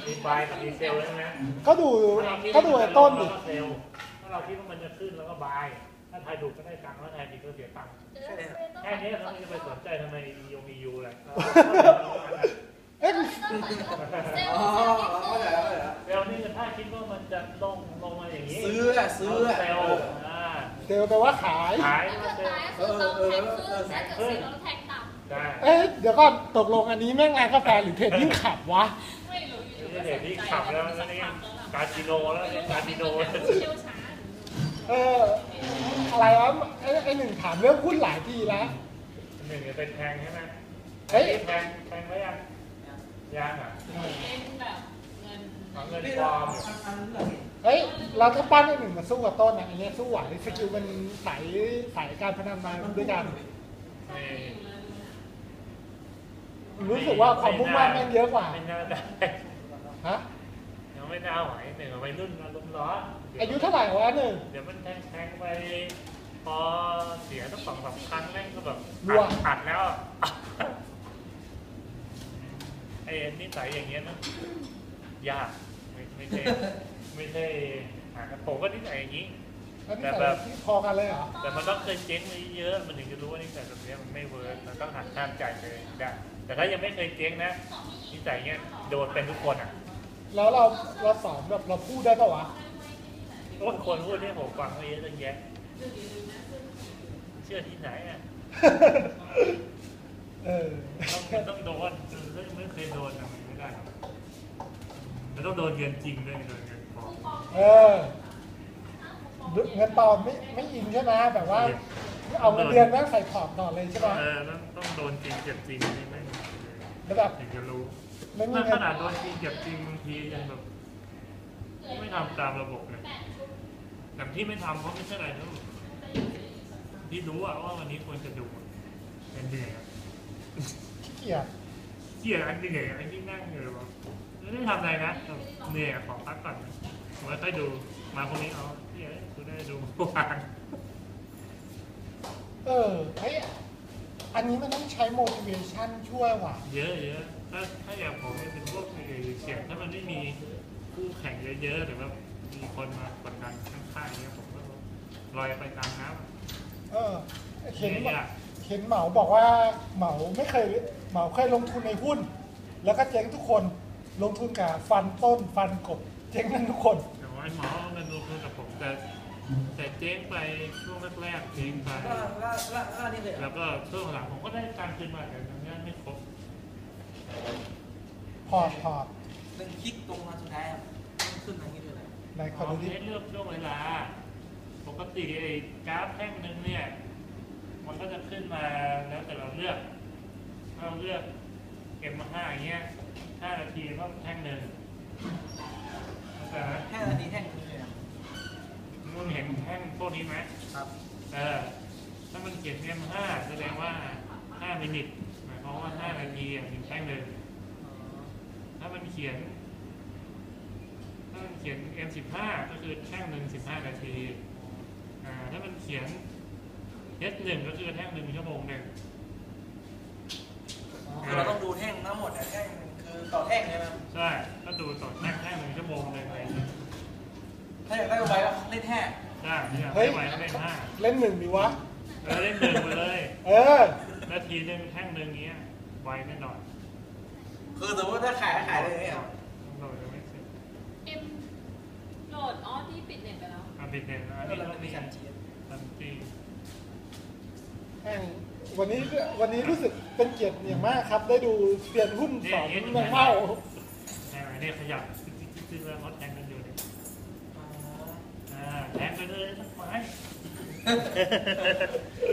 มีบายกับมีเซลใช่ไหมก็ดูไอ้ต้นดิถ้าเราคิดว่ามันจะขึ้นแล้วก็บายถ้าทายถูกก็ได้ตังค์ถ้าทายผิดก็เสียตังค์แค่นี้เขาจะไปสนใจทำไมยูอะไรเอ๊ะเซลนี่ถ้าคิดว่ามันจะลงมาอย่างนี้ซื้อเซลเซลแปลว่าขายเซลแทงต่ำเอ๊ะเดี๋ยวก่อนตกลงอันนี้แม่งงานกาแฟหรือเทรดดิ้งขับวะไม่รู้อยู่เทรดดิ้งขับแล้วนี่คาสิโนแล้วคาสิโนอะไรวะไอ้หนึ่งถามเรื่องหุ้นหลายทีแล้วหนึ่งจะเป็นแทงใช่ไหมแทงไว้ยังอ่ะเป็นแบบเงินปลอมเฮ้ยเราถ้าปั้นไอ้หนึ่งมาสู้กับต้นอันนี้สู้ไหวสกิลมันใส่การพนันมาด้วยกันรู้สึกว่าความมุ่งมั่นแม่งเยอะกว่าไม่น่าได้ฮะยังไม่น่าไหวหนึ่งไปรุ่นอารมณ์ร้อนอายุเท่าไหร่วะหนึ่งเดี๋ยวมันแทงไปพอเสียตั้ง2-3 ครั้งแม่งก็แบบอัดแล้วไอ้นิสัยอย่างเงี้ยนะยากไม่ใช่ผมก็นิสัยอย่างนี้แต่แบบพอกันเลยเหรอแต่มันต้องเคยเจ๊งมาเยอะมันถึงจะรู้ว่านิสัยแบบนี้มันไม่เวิร์กมันต้องหักข้ามใจเลยได้แต่ถ้ายังไม่เคยเจ๊งนะนิสัยเงี้ยโดนเป็นทุกคนอ่ะแล้วเราสอนแบบเราพูดได้ปะวะโอ้คนพูดที่ผมฟังเยอะตั้งแยะเชื่อที่ไหนอ่ะต้องโดนไม่เคยโดนอะมันไม่ได้แล้วต้องโดนเงินจริงด้วยโดนเงินปลอมเงินปลอมไม่อินใช่ไหมแบบว่าเอาเงินเดือนแม่งใส่พอร์ตต่อเลยใช่ไหมต้องโดนจริงเจ็บจริงนี่ไม่แล้วแบบถึงจะรู้ถ้าขนาดโดนจริงเจ็บจริงบางทียังแบบไม่ทำตามระบบเลยแต่ที่ไม่ทำเพราะไม่ใช่อะไรนะที่รู้ว่าวันนี้ควรจะดูเป็นเหนื่อยเกลียดอันเหนื่อยอันที่นั่งเหนื่อยวะไม่ได้ทำอะไรนะเหนื่อยขอพักก่อนไว้ค่อยดูมาคนนี้เอาคุณได้ดูวางเฮ้ยอันนี้มันต้องใช้ motivation ช่วยว่ะเยอะถ้าอย่างผมเป็นพวกเสี่ยงถ้ามันไม่มีคู่แข่งเยอะๆหรือว่ามีคนมากดดันข้างๆเนี้ยผมก็ลอยไปตามน้ำเห็นเหมาบอกว่าเหมาเคยลงทุนในหุ้นแล้วก็เจ๊งทุกคนลงทุนกับฟันต้นฟันกบเจ๊งกันทุกคนแต่ว่าเหมาเงินลงทุนกับผมแต่เจ๊งไปช่วงแรกๆเจ๊งไปแล้วก็ช่วงหลังผมก็ได้การคืนมาแต่ยังไม่ครบพอร์ตหนึ่งคลิกตรงมาสุดท้ายครับขึ้นทางนี้ด้วยอะไรในคอนดิชั่นเลือกช่วงเวลาปกติไอ้กราฟแท่งนึงเนี่ยมันก็จะขึ้นมาแล้วแต่เราเลือกM5อย่างเงี้ย5 นาทีก็แท่งหนึ่ง 5 นาทีแท่งนึงเลยมึงเห็นแท่งพวกนี้ไหมครับถ้ามันเขียน M5 แสดงว่า5 มิลลิหมายความว่า5 นาทีถึงแท่งหนึ่งถ้ามันเขียน M15 ก็คือแท่งหนึ่ง15 นาทีถ้ามันเขียน S1 ก็คือแท่ง1 ชั่วโมงหนึ่งคือเราต้องดูแท่งทั้งหมดแท่งคือต่อแท่งใช่ไหมใช่ก็ดูต่อแท่ง1 ชั่วโมงเลยอะไรอย่างเงี้ยถ้าอยากได้ไว้ก็เล่นแท่งใช่เล่นไว้เล่น 5เล่น1ดีวะเล่น1ไปเลยนาทีนึงแท่งนึงเงี้ยไวแน่นอนคือสมมติถ้าขายเลยเนี่ยโหลดจะไม่เสร็จโหลดที่ปิดเน็ตไปแล้วปิดเน็ตแล้วนี่เรามีการจีวันนี้รู้สึกเป็นเกียรติอย่างมากครับได้ดูเซียนหุ้นสอนแมงเม่าเนี่ยขยับซื้อแล้วเขาแทงกันอยู่เนี่ยแทงไปเลยทั้งไม้